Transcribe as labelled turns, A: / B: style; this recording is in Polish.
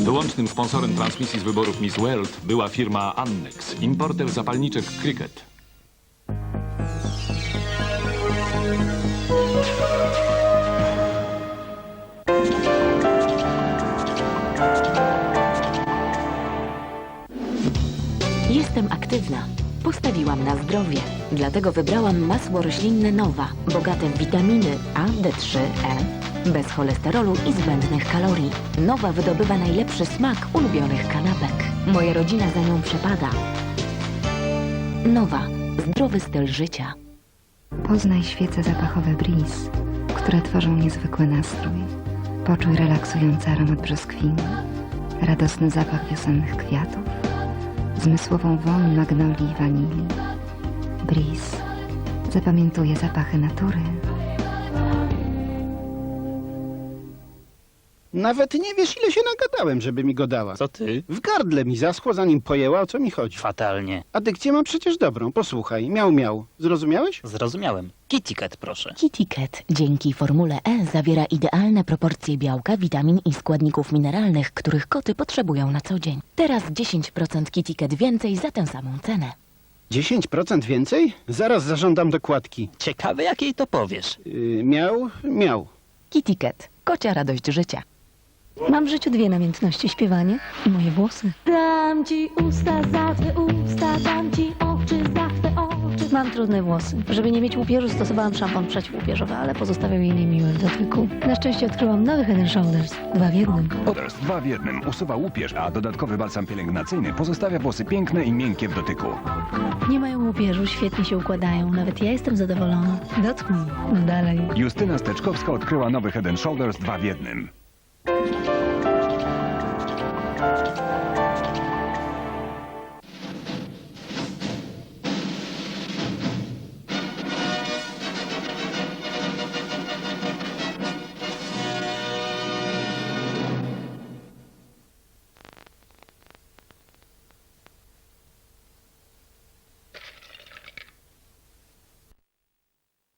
A: Wyłącznym sponsorem transmisji z wyborów Miss World była firma Annex, importer zapalniczek Cricket.
B: Jestem aktywna. Postawiłam na zdrowie. Dlatego wybrałam masło roślinne Nowa, bogate w witaminy A, D3, E, bez cholesterolu i zbędnych kalorii. Nowa wydobywa najlepszy smak ulubionych kanapek. Moja rodzina za nią przepada. Nowa. Zdrowy styl życia.
C: Poznaj świece zapachowe Breeze, które tworzą niezwykły nastrój. Poczuj relaksujący aromat brzoskwini, radosny zapach wiosennych kwiatów, zmysłową woń magnolii i wanilii. Breeze zapamiętuje zapachy natury.
D: Nawet nie wiesz, ile się nagadałem, żeby mi go dała.
E: Co ty?
D: W gardle mi zaschło, zanim pojęła, o co mi chodzi.
E: Fatalnie.
D: A dykcję mam przecież dobrą. Posłuchaj. Miał, miał. Zrozumiałeś?
E: Zrozumiałem. Kitty Cat, proszę.
B: Kitty Cat dzięki formule E zawiera idealne proporcje białka, witamin i składników mineralnych, których koty potrzebują na co dzień. Teraz 10% Kitty Cat więcej za tę samą cenę.
D: 10% więcej? Zaraz zażądam dokładki.
E: Ciekawe, jak jej to powiesz.
D: Miał, miał.
B: Kitty Cat. Kocia radość życia.
F: Mam w życiu dwie namiętności, śpiewanie i moje włosy.
G: Dam ci usta za twe usta, dam ci oczy za twe oczy.
F: Mam trudne włosy. Żeby nie mieć łupieżu, stosowałam szampon przeciwłupieżowy, ale pozostawiał jej niemiły w dotyku. Na szczęście odkryłam nowy Head & Shoulders. 2 w 1.
H: Shoulders 2 w 1 usuwa łupież, a dodatkowy balsam pielęgnacyjny pozostawia włosy piękne i miękkie w dotyku.
F: Nie mają łupieżu, świetnie się układają. Nawet ja jestem zadowolona. Dotknij. No dalej.
H: Justyna Steczkowska odkryła nowy Head & Shoulders 2 w 1.